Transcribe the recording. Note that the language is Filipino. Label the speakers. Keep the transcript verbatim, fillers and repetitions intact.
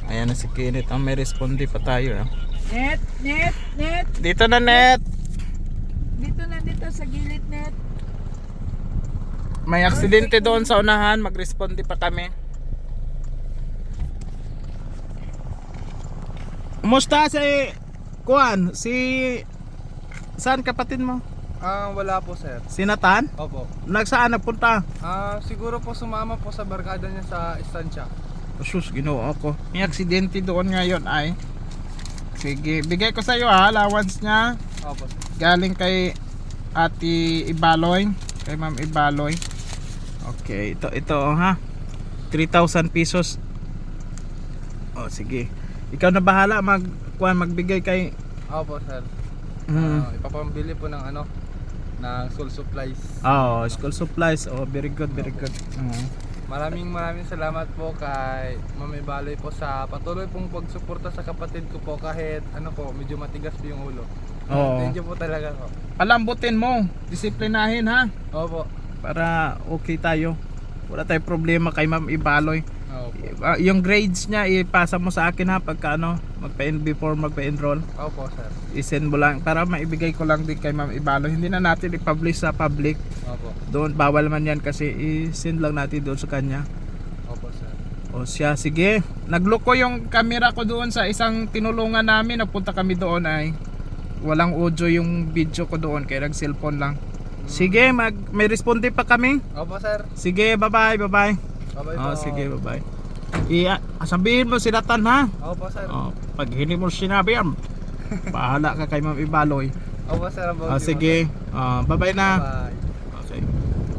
Speaker 1: Ayan na si Kenneth. Ang may responde pa tayo. Ah.
Speaker 2: Net, net, net.
Speaker 1: Dito na, Net.
Speaker 2: Dito na dito sa gilid, net.
Speaker 1: May aksidente doon sa unahan. Mag-responde pa kami. Kumusta si Kuan? Si saan kapatid mo?
Speaker 3: Ah, wala po sir.
Speaker 1: Si Nathan?
Speaker 3: Opo.
Speaker 1: Nagsaan nagpunta?
Speaker 3: Ah, siguro po sumama po sa barkada niya sa istansya.
Speaker 1: Sus, ginoo ako. May aksidente doon ngayon ay. Sige, bigay ko sa iyo ha, allowance niya.
Speaker 3: Opo.
Speaker 1: Galing kay Ate Ibaloy, kay Ma'am Ibaloy. Okay, ito ito oh, ha. three thousand pesos. Oh, sige. Ikaw na bahala mag kuan magbigay kay
Speaker 3: Opo sir.
Speaker 1: mm.
Speaker 3: Ah, ipapambili po ng ano ng school supplies.
Speaker 1: Oh, school supplies. Oh, very good, very good. Uh.
Speaker 3: Maraming maraming salamat po kay Ma'am Ibaloy po sa patuloy pong pagsuporta sa kapatid ko po kahit ano po medyo matigas po yung ulo.
Speaker 1: Oo.
Speaker 3: Thank you po talaga po.
Speaker 1: Palambutin mo, disiplinahin ha
Speaker 3: Opo.
Speaker 1: para okay tayo. Wala tayong problema kay Ma'am Ibaloy.
Speaker 3: Opo.
Speaker 1: Uh, yung grades niya ipasa mo sa akin ha pagka ano, magpa before magpa-enroll.
Speaker 3: Opo sir.
Speaker 1: I-send mo lang para maibigay ko lang din kay Ma'am Ibaloy. Hindi na natin i-publish sa public.
Speaker 3: Opo.
Speaker 1: Doon bawal man yan kasi i-send lang natin doon sa kanya.
Speaker 3: Opo sir.
Speaker 1: O siya, sige. Nagloko yung camera ko doon sa isang tinulungan namin. Napunta kami doon ay walang audio yung video ko doon kaya nag cellphone lang. Sige, mag may responde pa kami.
Speaker 3: Opo sir.
Speaker 1: Sige, bye-bye, bye-bye.
Speaker 3: Bye-bye
Speaker 1: Oh,
Speaker 3: po.
Speaker 1: sige, bye-bye. Iya, sabihin mo si Nathan ha.
Speaker 3: Opo sir.
Speaker 1: Oh, pag hindi mo sinabi yan, bahala ka kay Ma'am Ibaloy.
Speaker 3: Opo sir.
Speaker 1: Oh, sige. Oh, bye-bye na.
Speaker 3: Bye.